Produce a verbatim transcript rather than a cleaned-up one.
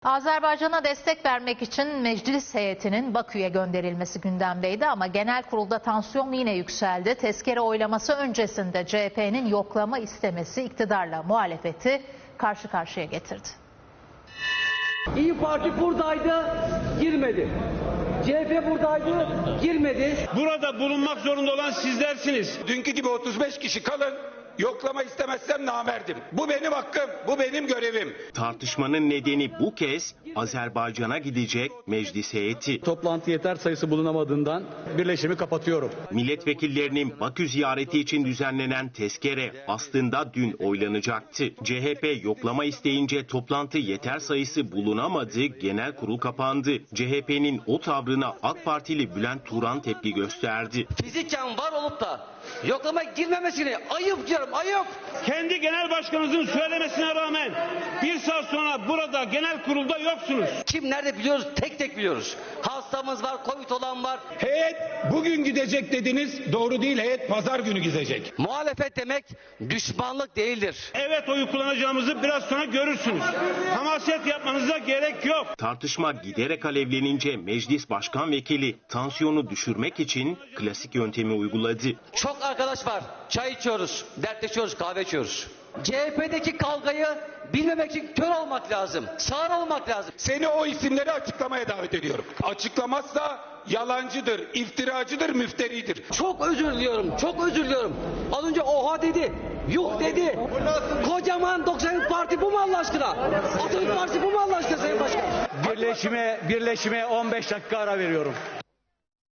Azerbaycan'a destek vermek için meclis heyetinin Bakü'ye gönderilmesi gündemdeydi ama genel kurulda tansiyon yine yükseldi. Tezkere oylaması öncesinde C H P'nin yoklama istemesi iktidarla muhalefeti karşı karşıya getirdi. İyi Parti buradaydı, girmedi. C H P buradaydı, girmedi. Burada bulunmak zorunda olan sizlersiniz. Dünkü gibi otuz beş kişi kalın. Yoklama istemezsem namerdim. Bu benim hakkım, bu benim görevim. Tartışmanın nedeni bu kez Azerbaycan'a gidecek meclis heyeti. Toplantı yeter sayısı bulunamadığından birleşimi kapatıyorum. Milletvekillerinin Bakü ziyareti için düzenlenen tezkere aslında dün oylanacaktı. C H P yoklama isteyince toplantı yeter sayısı bulunamadı, genel kurul kapandı. C H P'nin o tavrına AK Partili Bülent Turan tepki gösterdi. Fiziken var olup da yoklama girmemesini ayıp diyorum, ayıp. Kendi genel başkanınızın söylemesine rağmen bir saat sonra burada genel kurulda yoksunuz. Kim nerede biliyoruz, tek tek biliyoruz. Hastamız var, Covid olan var. Heyet bugün gidecek dediniz, doğru değil, heyet pazar günü gidecek. Muhalefet demek düşmanlık değildir. Evet, oyu kullanacağımızı biraz sonra görürsünüz. Hamaset yapmanıza gerek yok. Tartışma giderek alevlenince meclis başkan vekili tansiyonu düşürmek için klasik yöntemi uyguladı. Çok arkadaş var, çay içiyoruz, dertleşiyoruz, kahve içiyoruz. C H P'deki kavgayı bilmemek için kör olmak lazım, sağır olmak lazım. Seni o isimleri açıklamaya davet ediyorum. Açıklamazsa yalancıdır, iftiracıdır, müfteridir. Çok özür diliyorum, çok özür diliyorum. Az önce oha dedi, yuh dedi. Kocaman doksan Parti bu mu Allah aşkına? Atatürk Partisi bu mu Allah aşkına Sayın Başkan? Birleşime, birleşime on beş dakika ara veriyorum.